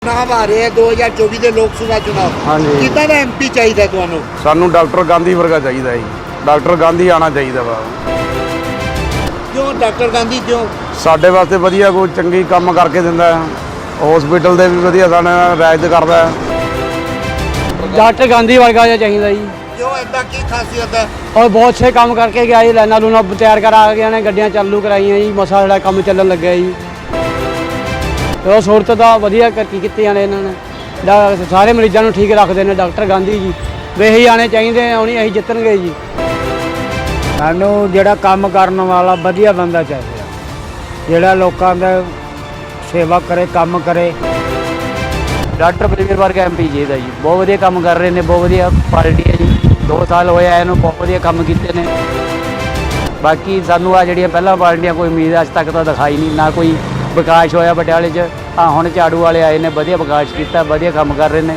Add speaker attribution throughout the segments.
Speaker 1: चुनाव आ रहे हैं 2024 ਦੇ ਲੋਕ ਸਭਾ ਚੁਣਾਵ।
Speaker 2: ਹਾਂਜੀ
Speaker 1: ਕਿੱਦਾਂ ਦਾ ਐਮਪੀ ਚਾਹੀਦਾ ਤੁਹਾਨੂੰ?
Speaker 2: ਸਾਨੂੰ ਡਾਕਟਰ ਗਾਂਧੀ ਵਰਗਾ ਚਾਹੀਦਾ ਜੀ। ਡਾਕਟਰ ਗਾਂਧੀ ਆਣਾ ਚਾਹੀਦਾ ਵਾ।
Speaker 1: ਕਿਉਂ ਡਾਕਟਰ ਗਾਂਧੀ ਕਿਉਂ?
Speaker 2: ਸਾਡੇ ਵਾਸਤੇ ਵਧੀਆ ਕੋਈ ਚੰਗੀ ਕੰਮ ਕਰਕੇ ਦਿੰਦਾ ਹੈ। ਹਸਪੀਟਲ ਦੇ ਵੀ ਵਧੀਆ ਸਾਡੇ ਨਾਲ ਰਾਇਤ ਕਰਦਾ ਹੈ।
Speaker 3: डॉक्टर गांधी वर्गा चाहिए जी।
Speaker 1: ਕਿਉਂ ਐਦਾਂ ਕੀ ਖਾਸੀਅਤ ਹੈ?
Speaker 3: और बहुत से काम करके गया जी। लाइना लूना तैयार करा गया ने गड्डियां चालू कराई जी। मसा जोड़ा काम चलन लग गया जी। तो सूरत का वधिया तरक्की की इन्होंने सारे मरीजों को ठीक रखते हैं डॉक्टर गांधी जी। वे ही आने चाहिए उन्हीं अं जितणगे जी।
Speaker 4: सानू जिहड़ा काम करने वाला वधिया बंदा चाहिए जिहड़ा लोकां दा सेवा करे काम करे।
Speaker 3: डॉक्टर बलवीर वर्गा MP जी का जी बहुत वधिया काम कर रहे हैं। बहुत वधिया पार्टी है जी। 2 साल होए इन्हों बहुत वधिया काम किए हैं। बाकी सानू आ जिहड़ियां पहलां पार्टियां कोई उम्मीद अज तक तो दिखाई नहीं ना कोई विकास होया पटियाले च। हाँ हुण झाड़ू वाले आए ने वधिया विकास किया वधिया काम कर रहे हैं।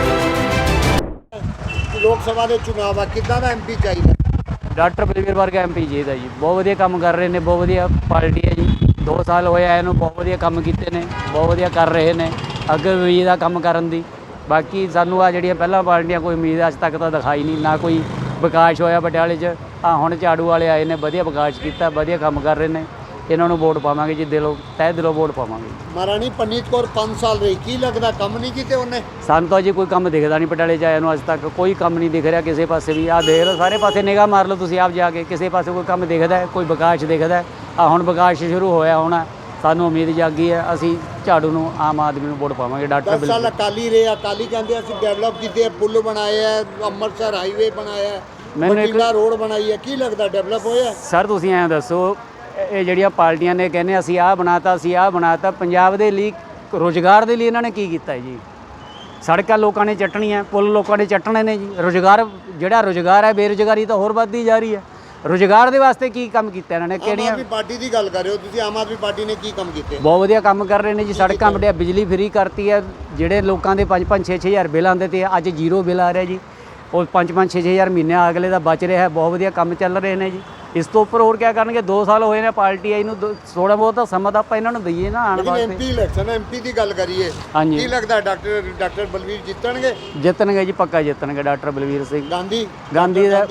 Speaker 1: ਲੋਕ ਸਭਾ ਦੇ ਚੁਣਾਵ ਆ ਕਿੱਦਾਂ ਦਾ ਐਮਪੀ ਚਾਹੀਦਾ?
Speaker 3: डॉक्टर बलवीर वर्गा MP जी का जी बहुत वधिया काम कर रहे हैं। बहुत वधिया पार्टी है जी। 2 साल होए इन्हों बहुत वधिया काम किए हैं बहुत वधिया कर रहे हैं। अगे उम्मीद आ काम करन दी। बाकी सानू आ जिहड़ियां पहलां पार्टियां कोई उम्मीद अज तक तो दिखाई नहीं ना कोई विकास होया पटियाले च। हाँ हुण झाड़ू वाले आए ने वधिया विकास किया वधिया काम कर रहे हैं। इन्हों वोट पावांगे जी दिलों तह दिलों वोट पावांगे।
Speaker 1: ਮਹਾਰਾਣੀ ਪਰਨੀਤ ਕੌਰ 5 ਸਾਲ ਰਹੀ ਕੀ ਲੱਗਦਾ ਕੰਮ ਨਹੀਂ ਕੀਤੇ ਉਹਨੇ?
Speaker 3: ਸਾਨੂੰ ਤਾਂ ਜੀ ਕੋਈ ਕੰਮ ਦਿਖਦਾ ਨਹੀਂ ਪਟਿਆਲੇ 'ਚ ਆਇਆ ਨੂੰ ਅੱਜ ਤੱਕ ਕੋਈ ਕੰਮ ਨਹੀਂ ਦਿਖ ਰਿਹਾ ਕਿਸੇ ਪਾਸੇ ਵੀ। ਆਹ ਦੇਖ ਲਓ ਸਾਰੇ ਪਾਸੇ ਨਿਗਾਹ ਮਾਰ ਲਓ ਤੁਸੀਂ ਆਪ ਜਾ ਕੇ ਕਿਸੇ ਪਾਸੇ ਕੋਈ ਕੰਮ ਦਿਖਦਾ ਹੈ ਕੋਈ ਵਿਕਾਸ ਦਿਖਦਾ ਹੈ। ਆ ਹੁਣ ਵਿਕਾਸ ਸ਼ੁਰੂ ਹੋਇਆ ਹੋਣਾ ਸਾਨੂੰ ਉਮੀਦ ਜਾਗੀ ਹੈ ਅਸੀਂ ਝਾੜੂ ਨੂੰ ਆਮ ਆਦਮੀ ਨੂੰ ਵੋਟ ਪਾਵਾਂਗੇ। ਡਾਕਟਰ
Speaker 1: 10 ਸਾਲ ਅਕਾਲੀ ਰਹੇ ਅਕਾਲੀ ਕਹਿੰਦੇ ਅਸੀਂ ਡਿਵੈਲਪ ਕੀਤੇ ਪੁੱਲ ਬਣਾਏ ਆ ਅੰਮ੍ਰਿਤਸਰ ਹਾਈਵੇ ਬਣਾਇਆ ਬਠਿੰਡਾ ਰੋਡ ਬਣਾਈ ਹੈ ਕੀ ਲੱਗਦਾ ਡਿਵੈਲਪ ਹੋਇਆ?
Speaker 3: ਸਰ ਤੁਸੀਂ ਐਂ ਦੱਸੋ ਇਹ ਜਿਹੜੀਆਂ ਪਾਰਟੀਆਂ ਨੇ ਕਹਿੰਦੇ ਅਸੀਂ ਆਹ ਬਣਾਤਾ ਪੰਜਾਬ ਦੇ ਲਈ ਰੁਜ਼ਗਾਰ ਦੇ ਲਈ ਇਹਨਾਂ ਨੇ ਕੀ ਕੀਤਾ ਜੀ? ਸੜਕਾਂ ਲੋਕਾਂ ਨੇ ਚੱਟਣੀਆਂ ਪੁੱਲ ਲੋਕਾਂ ਨੇ ਚੱਟਣੇ ਨੇ ਜੀ। ਰੁਜ਼ਗਾਰ ਜਿਹੜਾ ਰੁਜ਼ਗਾਰ ਹੈ ਬੇਰੁਜ਼ਗਾਰੀ ਤਾਂ ਹੋਰ ਵੱਧਦੀ ਜਾ ਰਹੀ ਹੈ। ਰੁਜ਼ਗਾਰ ਦੇ ਵਾਸਤੇ ਕੀ ਕੰਮ ਕੀਤਾ ਇਹਨਾਂ ਨੇ? ਕਿਹੜੀਆਂ
Speaker 1: ਆਮ ਆਦਮੀ ਪਾਰਟੀ ਦੀ ਗੱਲ ਕਰ ਰਹੇ ਹੋ ਤੁਸੀਂ? ਆਮ ਆਦਮੀ ਪਾਰਟੀ ਨੇ ਕੀ ਕੰਮ ਕੀਤੇ?
Speaker 3: ਬਹੁਤ ਵਧੀਆ ਕੰਮ ਕਰ ਰਹੇ ਨੇ ਜੀ। ਸੜਕਾਂ ਵੱਡੀਆਂ ਬਿਜਲੀ ਫਰੀ ਕਰਤੀ ਹੈ। ਜਿਹੜੇ ਲੋਕਾਂ ਦੇ 5-5 6-6 ਹਜ਼ਾਰ ਬਿੱਲ ਆਉਂਦੇ ਤੇ ਅੱਜ ਜ਼ੀਰੋ ਬਿੱਲ ਆ ਰਿਹਾ ਜੀ। ਉਹ 5-5 6-6 ਹਜ਼ਾਰ ਮਹੀਨੇ ਅਗਲੇ ਦਾ ਬਚ ਰਿਹਾ ਹੈ। ਬਹੁਤ ਵਧੀਆ ਕੰਮ ਚੱਲ ਰਹੇ ਨੇ ਜੀ। ਇਸ ਤੋਂ ਉੱਪਰ ਹੋਰ ਕੀ ਕਰਨਗੇ? 2 ਸਾਲ ਹੋਏ ਨੇ ਪਾਰਟੀ ਆਈ ਨੂੰ ਥੋੜਾ ਬਹੁਤ ਤਾਂ ਸਮਾਂ ਤਾਂ ਆਪਾਂ ਇਹਨਾਂ ਨੂੰ ਦਈਏ ਨਾ ਆਉਣ ਵਾਸਤੇ।
Speaker 1: ਐਮਪੀ ਇਲੈਕਸ਼ਨ ਐਮਪੀ ਦੀ ਗੱਲ ਕਰੀਏ ਕੀ ਲੱਗਦਾ ਡਾਕਟਰ ਬਲਵੀਰ ਜਿੱਤਣਗੇ?
Speaker 3: ਜਿੱਤਣਗੇ ਜੀ ਪੱਕਾ ਜਿੱਤਣਗੇ ਡਾਕਟਰ ਬਲਵੀਰ ਸਿੰਘ
Speaker 1: ਗਾਂਧੀ
Speaker 3: ਦਾ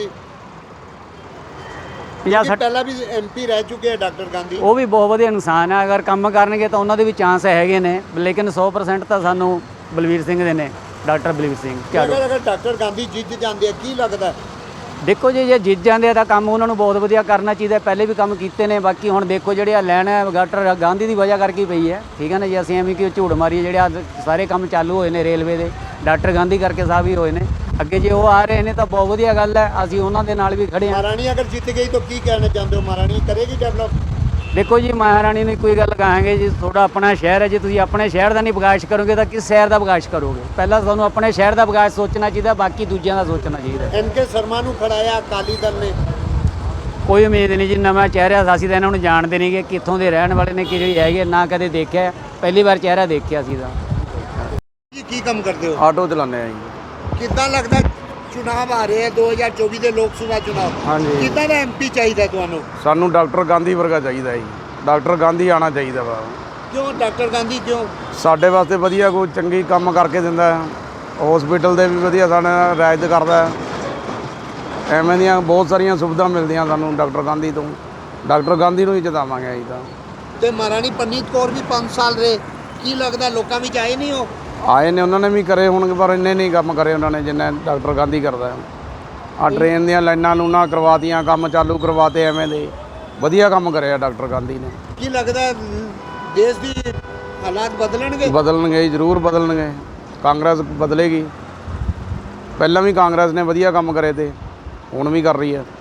Speaker 1: 50 ਪਹਿਲਾਂ ਵੀ ਐਮਪੀ ਰਹਿ ਚੁੱਕੇ ਆ ਡਾਕਟਰ ਗਾਂਧੀ।
Speaker 3: ਉਹ ਵੀ ਬਹੁਤ ਵਧੀਆ ਇਨਸਾਨ ਹੈ। ਅਗਰ ਕੰਮ ਕਰਨਗੇ ਤਾਂ ਉਹਨਾਂ ਦੇ ਵੀ ਚਾਂਸ ਹੈਗੇ ਨੇ ਲੇਕਿਨ 100% ਤਾਂ ਸਾਨੂੰ ਬਲਵੀਰ ਸਿੰਘ ਦੇ ਨੇ ਡਾਕਟਰ ਬਲਵੀਰ ਸਿੰਘ ਝਾੜੂ।
Speaker 1: ਅਗਰ ਡਾਕਟਰ ਗਾਂਧੀ ਜਿੱਤ ਜਾਂਦੇ ਆ ਕੀ ਲੱਗਦਾ?
Speaker 3: ਦੇਖੋ ਜੀ ਜੇ ਜਿੱਤ ਜਾਂਦੇ ਆ ਤਾਂ ਕੰਮ ਉਹਨਾਂ ਨੂੰ ਬਹੁਤ ਵਧੀਆ ਕਰਨਾ ਚਾਹੀਦਾ। ਪਹਿਲੇ ਵੀ ਕੰਮ ਕੀਤੇ ਨੇ। ਬਾਕੀ ਹੁਣ ਦੇਖੋ ਜਿਹੜੇ ਆ ਲੈਣ ਹੈ ਡਾਕਟਰ ਗਾਂਧੀ ਦੀ ਵਜ੍ਹਾ ਕਰਕੇ ਪਈ ਹੈ। ਠੀਕ ਹੈ ਨਾ ਜੀ। ਅਸੀਂ ਐਵੇਂ ਕਿ ਝੂਠ ਮਾਰੀਏ ਜਿਹੜੇ ਆ ਸਾਰੇ ਕੰਮ ਚਾਲੂ ਹੋਏ ਨੇ ਰੇਲਵੇ ਦੇ ਡਾਕਟਰ ਗਾਂਧੀ ਕਰਕੇ ਸਾਹਿਬ ਹੀ ਹੋਏ ਨੇ। ਅੱਗੇ ਜੇ ਉਹ ਆ ਰਹੇ ਨੇ ਤਾਂ ਬਹੁਤ ਵਧੀਆ ਗੱਲ ਹੈ। ਅਸੀਂ ਉਹਨਾਂ ਦੇ ਨਾਲ ਵੀ ਖੜੇ ਹਾਂ।
Speaker 1: ਮਹਾਰਾਣੀ ਅਗਰ ਜਿੱਤ ਗਈ ਤਾਂ ਕੀ ਕਹਿਣਾ ਚਾਹੁੰਦੇ ਹੋ? ਮਹਾਰਾਣੀ ਕਰੇਗੀ ਡਿਵੈਲਪ?
Speaker 3: ਦੇਖੋ ਜੀ ਮਹਾਰਾਣੀ ਨੂੰ ਕੋਈ ਗੱਲ ਕਹਾਂਗੇ ਜੀ ਤੁਹਾਡਾ ਆਪਣਾ ਸ਼ਹਿਰ ਹੈ। ਜੇ ਤੁਸੀਂ ਆਪਣੇ ਸ਼ਹਿਰ ਦਾ ਨਹੀਂ ਵਿਕਾਸ ਕਰੋਗੇ ਤਾਂ ਕਿਸ ਸ਼ਹਿਰ ਦਾ ਵਿਕਾਸ ਕਰੋਗੇ? ਪਹਿਲਾਂ ਤੁਹਾਨੂੰ ਆਪਣੇ ਸ਼ਹਿਰ ਦਾ ਵਿਕਾਸ ਸੋਚਣਾ ਚਾਹੀਦਾ ਬਾਕੀ ਦੂਜਿਆਂ ਦਾ ਸੋਚਣਾ ਚਾਹੀਦਾ।
Speaker 1: NK ਸ਼ਰਮਾ ਨੂੰ ਖੜਾਇਆ ਅਕਾਲੀ ਦਲ ਨੇ।
Speaker 3: ਕੋਈ ਉਮੀਦ ਨਹੀਂ ਜੀ। ਨਵਾਂ ਚਿਹਰਾ ਅਸੀਂ ਤਾਂ ਇਹਨਾਂ ਨੂੰ ਜਾਣਦੇ ਨਹੀਂ ਕਿ ਕਿੱਥੋਂ ਦੇ ਰਹਿਣ ਵਾਲੇ ਨੇ ਕਿਹੜੇ ਹੈਗੇ ਨਾ ਕਦੇ ਦੇਖਿਆ ਪਹਿਲੀ ਵਾਰ ਚਿਹਰਾ ਦੇਖਿਆ ਸੀ ਤਾਂ।
Speaker 1: ਕੀ ਕੰਮ ਕਰਦੇ ਹੋ?
Speaker 2: ਆਟੋ ਚਲਾਉਂਦੇ ਆ ਜੀ।
Speaker 1: ਕਿੱਦਾਂ ਲੱਗਦਾ ਚੁਣਾਵ ਆ ਰਹੇ ਆ 2024 ਦੇ ਲੋਕ ਸਭਾ ਚੁਣਾਵ?
Speaker 2: ਹਾਂਜੀ
Speaker 1: ਕਿੱਦਾਂ ਦਾ ਐਮਪੀ ਚਾਹੀਦਾ ਤੁਹਾਨੂੰ?
Speaker 2: ਸਾਨੂੰ ਡਾਕਟਰ ਗਾਂਧੀ ਵਰਗਾ ਚਾਹੀਦਾ ਜੀ। ਡਾਕਟਰ ਗਾਂਧੀ ਆਣਾ ਚਾਹੀਦਾ ਵਾ।
Speaker 1: ਕਿਉਂ ਡਾਕਟਰ ਗਾਂਧੀ ਕਿਉਂ?
Speaker 2: ਸਾਡੇ ਵਾਸਤੇ ਵਧੀਆ ਕੋਈ ਚੰਗੀ ਕੰਮ ਕਰਕੇ ਦਿੰਦਾ ਹੈ। ਹਸਪੀਟਲ ਦੇ ਵੀ ਵਧੀਆ ਸਾਡੇ ਨਾਲ ਰਾਇਤ ਕਰਦਾ ਹੈ। ਐਵੇਂ ਦੀਆਂ ਬਹੁਤ ਸਾਰੀਆਂ ਸੁਵਿਧਾ ਮਿਲਦੀਆਂ ਸਾਨੂੰ ਡਾਕਟਰ ਗਾਂਧੀ ਤੋਂ। ਡਾਕਟਰ ਗਾਂਧੀ ਨੂੰ ਹੀ ਜਿਤਾਵਾਂਗੇ ਅਸੀਂ ਤਾਂ।
Speaker 1: ਤੇ ਮਹਾਰਾਣੀ ਪਰਨੀਤ ਕੌਰ ਵੀ 5 ਸਾਲ ਰਹੇ ਕੀ ਲੱਗਦਾ ਲੋਕਾਂ ਵਿੱਚ ਆਏ ਨਹੀਂ ਹੋ?
Speaker 2: ਆਏ ਨੇ ਉਹਨਾਂ ਨੇ ਵੀ ਕਰੇ ਹੋਣਗੇ ਪਰ ਇੰਨੇ ਨਹੀਂ ਕੰਮ ਕਰੇ ਉਹਨਾਂ ਨੇ ਜਿੰਨੇ ਡਾਕਟਰ ਗਾਂਧੀ ਕਰਦਾ। ਆ ਟ੍ਰੇਨ ਦੀਆਂ ਲਾਈਨਾਂ ਲੂਨਾਂ ਕਰਵਾਤੀਆਂ ਕੰਮ ਚਾਲੂ ਕਰਵਾਤੇ ਐਵੇਂ ਦੇ ਵਧੀਆ ਕੰਮ ਕਰਿਆ ਡਾਕਟਰ ਗਾਂਧੀ ਨੇ।
Speaker 1: ਕੀ ਲੱਗਦਾ ਦੇਸ਼ ਦੀ ਹਾਲਾਤ ਬਦਲਣਗੇ?
Speaker 2: ਬਦਲਣਗੇ ਜ਼ਰੂਰ ਬਦਲਣਗੇ। ਕਾਂਗਰਸ ਬਦਲੇਗੀ। ਪਹਿਲਾਂ ਵੀ ਕਾਂਗਰਸ ਨੇ ਵਧੀਆ ਕੰਮ ਕਰੇ ਤੇ ਹੁਣ ਵੀ ਕਰ ਰਹੀ ਹੈ।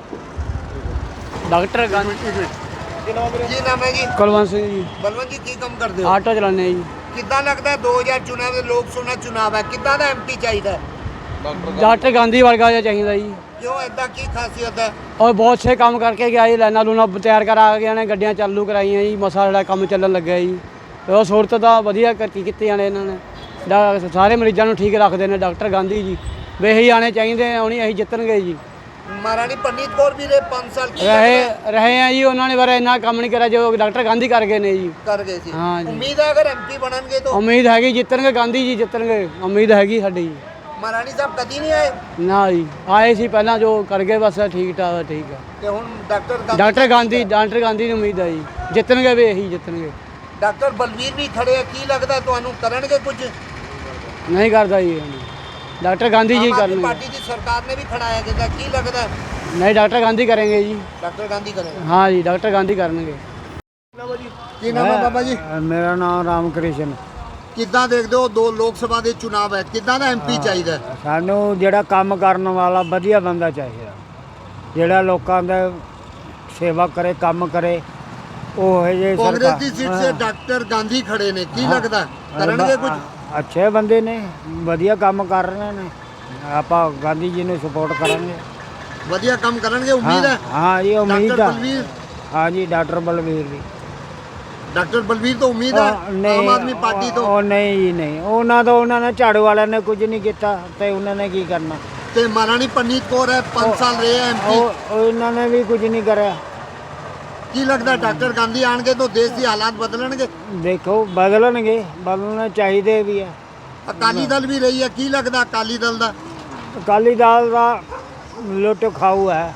Speaker 3: ਡਾਕਟਰ ਗਾਂਧੀ
Speaker 1: ਕੀ ਨਾਮ ਹੈ ਜੀ?
Speaker 3: ਕੁਲਵੰਤ ਸਿੰਘ ਜੀ।
Speaker 1: ਬਲਵੰਤ ਜੀ ਕੀ ਕੰਮ ਕਰਦੇ ਹੋ?
Speaker 3: ਆਟੋ ਚਲਾਉਂਦੇ ਜੀ।
Speaker 1: ਕਿੱਦਾਂ ਲੱਗਦਾ 2000 ਚੁਣਾਵ ਦੇ ਲੋਕ ਸਭਾ ਚੁਣਾਵ ਹੈ ਕਿੱਦਾਂ ਦਾ ਐਮਪੀ ਚਾਹੀਦਾ?
Speaker 3: डॉक्टर गांधी वर्गा चाहिए जी।
Speaker 1: ਕਿਉਂ ਐਦਾਂ ਕੀ ਖਾਸੀਅਤ ਹੈ?
Speaker 3: और बहुत से काम करके गया जी। लाइना लूना तैयार करा गया ने गड्डियां चालू कराई जी। मसा जोड़ा काम चलन लग गया जी। तो सूरत का वधिया तरक्की की इन्होंने सारे मरीजों को ठीक रखते हैं डॉक्टर गांधी जी। वे ही आने चाहिए उन्हीं अं जितणगे जी।
Speaker 1: महारानी परनीत कौर भी रहे 5 साल की
Speaker 3: ਰਹੇ ਆ ਜੀ ਉਹਨਾਂ ਨੇ ਬਾਰੇ ਇੰਨਾ ਕੰਮ ਨਹੀਂ ਕਰਿਆ ਜੋ ਡਾਕਟਰ ਗਾਂਧੀ ਕਰ ਗਏ ਨੇ ਜੀ
Speaker 1: कर गए थे।
Speaker 3: हाँ जी।
Speaker 1: उम्मीद है अगर एमपी बननगे तो
Speaker 3: ਉਮੀਦ ਹੈਗੀ ਜਿੱਤਣਗੇ ਗਾਂਧੀ ਜੀ ਜਿੱਤਣਗੇ ਉਮੀਦ ਹੈਗੀ ਸਾਡੀ ਜੀ
Speaker 1: महारानी साहब कदी नहीं आए
Speaker 3: ਨਾ ਜੀ ਆਏ ਸੀ ਪਹਿਲਾਂ ਜੋ ਕਰ ਗਏ ਬਸ ਠੀਕ ਠਾਕ ਠੀਕ ਆ
Speaker 1: ਤੇ ਹੁਣ ਡਾਕਟਰ
Speaker 3: ਡਾਕਟਰ ਗਾਂਧੀ ਨੂੰ ਉਮੀਦ ਹੈ ਜੀ ਜਿੱਤਣਗੇ ਵੀ ਇਹੀ ਜਿੱਤਣਗੇ
Speaker 1: ਡਾਕਟਰ ਬਲਵੀਰ ਵੀ ਖੜੇ ਆ ਕੀ ਲੱਗਦਾ ਤੁਹਾਨੂੰ ਕਰਨਗੇ ਕੁਝ
Speaker 3: ਨਹੀਂ ਕਰਦਾ ਜੀ ਡਾਕਟਰ ਗਾਂਧੀ ਜੀ
Speaker 1: ਆਮ ਆਦਮੀ
Speaker 3: ਕਰਨਗੇ
Speaker 1: ਪਾਰਟੀ ਦੀ ਸਰਕਾਰ ਨੇ ਵੀ ਖੜਾਇਆ ਕਿਦਾ ਕੀ ਲੱਗਦਾ
Speaker 3: ਨਹੀਂ ਡਾਕਟਰ ਗਾਂਧੀ ਕरेंगे ਜੀ
Speaker 1: ਡਾਕਟਰ ਗਾਂਧੀ ਕਰੇਗਾ
Speaker 3: ਹਾਂ ਜੀ ਡਾਕਟਰ ਗਾਂਧੀ ਕਰਨਗੇ
Speaker 1: ਕੀ ਨਾਮ ਹੈ ਬਾਬਾ ਜੀ
Speaker 4: ਮੇਰਾ ਨਾਮ ਰਾਮ ਕ੍ਰਿਸ਼ਨ।
Speaker 1: ਕਿੱਦਾਂ ਦੇਖਦੇ ਹੋ ਦੋ ਲੋਕ ਸਭਾ ਦੇ ਚੁਣਾਵ ਹੈ ਕਿੱਦਾਂ ਦਾ ਐਮਪੀ ਚਾਹੀਦਾ ਹੈ?
Speaker 4: ਸਾਨੂੰ ਜਿਹੜਾ ਕੰਮ ਕਰਨ ਵਾਲਾ ਵਧੀਆ ਬੰਦਾ ਚਾਹੀਦਾ, ਜਿਹੜਾ ਲੋਕਾਂ ਦਾ ਸੇਵਾ ਕਰੇ, ਕੰਮ ਕਰੇ। ਉਹ ਹੈ ਜੇ
Speaker 1: ਕਾਂਗਰਸ ਦੀ ਸੀਟ ਸੇ ਡਾਕਟਰ ਗਾਂਧੀ ਖੜੇ ਨੇ ਕੀ ਲੱਗਦਾ ਕਰਨਗੇ ਕੁਝ
Speaker 4: ਅੱਛੇ ਬੰਦੇ ਨੇ, ਵਧੀਆ ਕੰਮ ਕਰ ਰਹੇ ਨੇ। ਆਪਾਂ ਗਾਂਧੀ ਜੀ ਨੂੰ ਸਪੋਰਟ ਕਰਾਂਗੇ।
Speaker 1: ਵਧੀਆ ਕੰਮ ਕਰਨਗੇ ਉਮੀਦ ਹੈ
Speaker 4: ਹਾਂ ਜੀ ਉਮੀਦ
Speaker 1: ਡਾਕਟਰ
Speaker 4: ਆ।
Speaker 1: ਬਲਵੀਰ
Speaker 4: ਹਾਂ ਜੀ ਡਾਕਟਰ ਬਲਵੀਰ ਜੀ।
Speaker 1: ਡਾਕਟਰ ਬਲਵੀਰ ਤੋਂ ਉਮੀਦ ਹੈ ਆਮ ਆਦਮੀ ਪਾਰਟੀ ਤੋਂ
Speaker 4: ਉਹ ਨਹੀਂ ਜੀ ਨਹੀਂ, ਉਹਨਾਂ ਨੇ ਝਾੜੂ ਵਾਲਿਆਂ ਨੇ ਕੁਝ ਨਹੀਂ ਕੀਤਾ ਤੇ ਉਹਨਾਂ ਨੇ ਕੀ ਕਰਨਾ।
Speaker 1: ਤੇ ਮਹਾਰਾਣੀ ਪਰਨੀਤ ਕੌਰ ਹੈ 5 ਸਾਲ ਰਹੇ ਐਮਪੀ
Speaker 4: ਉਹ ਇਹਨਾਂ ਨੇ ਵੀ ਕੁਝ ਨਹੀਂ ਕਰਿਆ।
Speaker 1: ਕੀ ਲੱਗਦਾ ਡਾਕਟਰ ਗਾਂਧੀ ਆਣਗੇ ਤਾਂ ਦੇਸ਼ ਦੀ ਹਾਲਾਤ ਬਦਲਣਗੇ
Speaker 4: ਦੇਖੋ ਬਦਲਣਗੇ, ਬਦਲਣੇ ਚਾਹੀਦੇ ਵੀ ਆ।
Speaker 1: ਅਕਾਲੀ ਦਲ ਵੀ ਰਹੀ ਹੈ ਕੀ ਲੱਗਦਾ ਅਕਾਲੀ ਦਲ ਦਾ
Speaker 4: ਅਕਾਲੀ ਦਲ ਦਾ ਲੁੱਟ ਖਾਊ ਹੈ,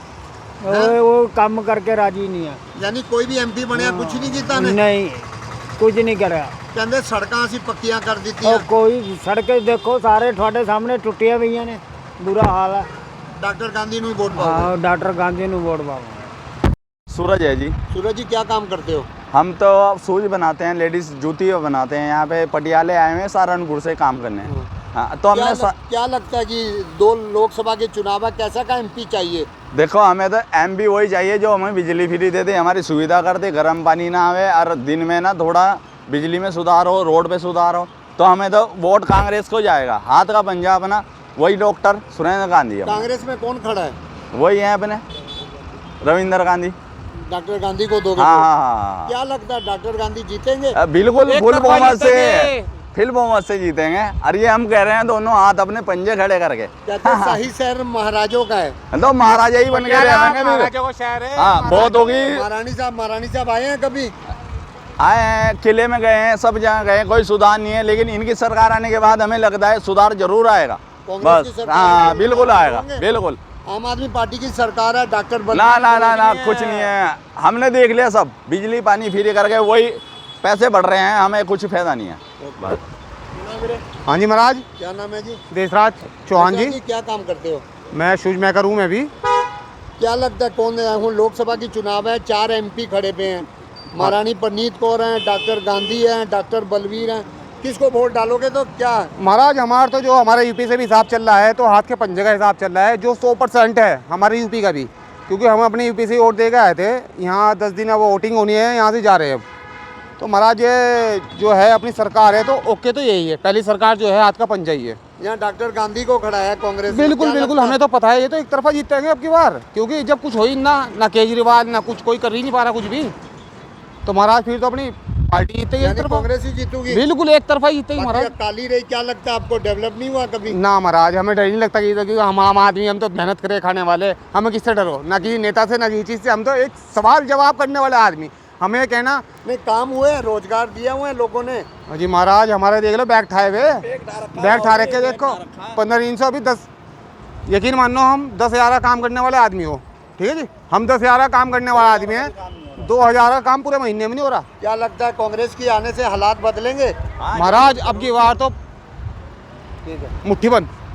Speaker 4: ਉਹ ਕੰਮ ਕਰਕੇ ਰਾਜੀ ਨਹੀਂ ਆ।
Speaker 1: ਯਾਨੀ ਕੋਈ ਵੀ ਐਮਪੀ ਬਣਿਆ ਕੁਝ ਨਹੀਂ ਕੀਤਾ ਨੇ
Speaker 4: ਨਹੀਂ ਕੁਝ ਨਹੀਂ ਕਰਿਆ।
Speaker 1: ਕਹਿੰਦੇ ਸੜਕਾਂ ਅਸੀਂ ਪੱਕੀਆਂ ਕਰ ਦਿੱਤੀਆਂ
Speaker 4: ਉਹ ਕੋਈ ਸੜਕ ਦੇਖੋ ਸਾਰੇ ਤੁਹਾਡੇ ਸਾਹਮਣੇ ਟੁੱਟੀਆਂ ਪਈਆਂ ਨੇ, ਬੁਰਾ ਹਾਲ ਹੈ।
Speaker 1: ਡਾਕਟਰ ਗਾਂधी ਨੂੰ ਹੀ ਵੋਟ ਪਾਓ
Speaker 4: ਹਾਂ ਡਾਕਟਰ ਗਾਂਧੀ ਨੂੰ ਵੋਟ ਪਾਵਾਂਗੇ।
Speaker 5: सूरज है जी।
Speaker 1: सूरज जी क्या काम करते हो
Speaker 5: हम तो शूज बनाते हैं, लेडीज जूती बनाते हैं। यहाँ पे पटियाले आए हुए हैं सहारनपुर से काम करने। हाँ तो हमने
Speaker 1: क्या लगता है कि दो लोकसभा के चुनाव है कैसा का एमपी चाहिए
Speaker 5: देखो हमें तो एमपी वही चाहिए जो हमें बिजली फ्री दे दे, हमारी सुविधा कर दे, गर्म पानी ना आवे और दिन में ना थोड़ा बिजली में सुधार हो, रोड पे सुधार हो। तो हमें तो वोट कांग्रेस को जाएगा। हाथ का पंजा अपना वही डॉक्टर सुरेंद्र गांधी है।
Speaker 1: कांग्रेस में कौन खड़ा है
Speaker 5: वही है अपने रविंद्र गांधी।
Speaker 1: डॉक्टर गांधी को दोगे
Speaker 5: हाँ
Speaker 1: वोट?
Speaker 5: हाँ
Speaker 1: क्या लगता है डॉक्टर गांधी जीतेंगे
Speaker 5: बिल्कुल फुल बहुमत से, फुल बहुमत से जीतेंगे। और ये हम कह रहे हैं दोनों हाथ अपने पंजे खड़े करके।
Speaker 1: कहते हैं शाही शहर महाराजों का है
Speaker 5: तो महाराजा ही बन के रहेंगे। हाँ बहुत होगी।
Speaker 1: महारानी साहब आए हैं कभी
Speaker 5: आए हैं, किले में गए हैं, सब जगह गए, कोई सुधार नहीं है। लेकिन इनकी सरकार आने के बाद हमें लगता है सुधार जरूर आएगा।
Speaker 1: कांग्रेस की
Speaker 5: बस
Speaker 1: सरकार
Speaker 5: हाँ
Speaker 1: में
Speaker 5: बिल्कुल आएगा
Speaker 1: होंगे?
Speaker 5: बिल्कुल।
Speaker 1: आम आदमी पार्टी की सरकार है डॉक्टर
Speaker 5: ना ना ना ना कुछ नहीं है। हमने देख लिया सब, बिजली पानी फ्री करके वही पैसे बढ़ रहे हैं, हमें कुछ फायदा नहीं है बस।
Speaker 6: हाँ जी महाराज,
Speaker 1: क्या नाम है जी
Speaker 6: देशराज चौहान जी।
Speaker 1: क्या काम करते हो
Speaker 6: मैं शूज मेकर हूँ मैं भी।
Speaker 1: क्या लगता है कौन है लोकसभा की चुनाव है 4 एमपी खड़े पे हैं महारानी परनीत कौर हैं डॉक्टर गांधी हैं डॉक्टर बलवीर हैं किसको वोट डालोगे तो क्या
Speaker 6: महाराज हमारा तो जो हमारे यूपी से भी हिसाब चल रहा है तो हाथ के पंजे का हिसाब चल रहा है जो 100% है हमारे यूपी का भी, क्योंकि हम अपने यूपी से वोट दे के आए थे। यहाँ 10 दिन वो वोटिंग होनी है, यहाँ से जा रहे हैं अब। तो महाराज ये जो है अपनी सरकार है तो ओके तो यही है, पहली सरकार जो है हाथ का पंजा ही है।
Speaker 1: यहाँ डॉक्टर गांधी को खड़ा है कांग्रेस
Speaker 6: बिल्कुल बिल्कुल हमें तो पता है ये तो एक तरफा जीतेंगे अब की बार, क्योंकि जब कुछ हो ही ना केजरीवाल ना कुछ कोई कर ही नहीं पा रहा कुछ भी, तो महाराज फिर तो अपनी पार्टी जीतेगी एक तरफा।
Speaker 1: कांग्रेस ही जीतूगी
Speaker 6: बिल्कुल एक तरफा जीतेगी महाराज।
Speaker 1: काली रही क्या लगता है आपको डेवलप नहीं हुआ कभी
Speaker 6: ना महाराज हमें डर नहीं लगता कि क्योंकि हम आम आदमी, हम तो मेहनत करे खाने वाले, हमें किससे डरो, ना किसी नेता से ना किसी चीज़ से। हम तो एक सवाल जवाब करने वाले आदमी, हमें कहना
Speaker 1: नहीं काम हुए रोजगार दिया हुए लोगों ने।
Speaker 6: जी महाराज हमारे देख लो बैग ठाए हुए, बैग ठा रखे देखो 1500 अभी 10, यकीन मान लो हम 10,000 का काम करने वाले आदमी हो, ठीक है जी, हम 10,000 का काम करने वाला आदमी है, 2,000 का काम पूरे महीने में नहीं हो रहा।
Speaker 1: क्या लगता है कांग्रेस की आने से हालात बदलेंगे
Speaker 6: महाराज अब की बार तो मुट्ठी बंद।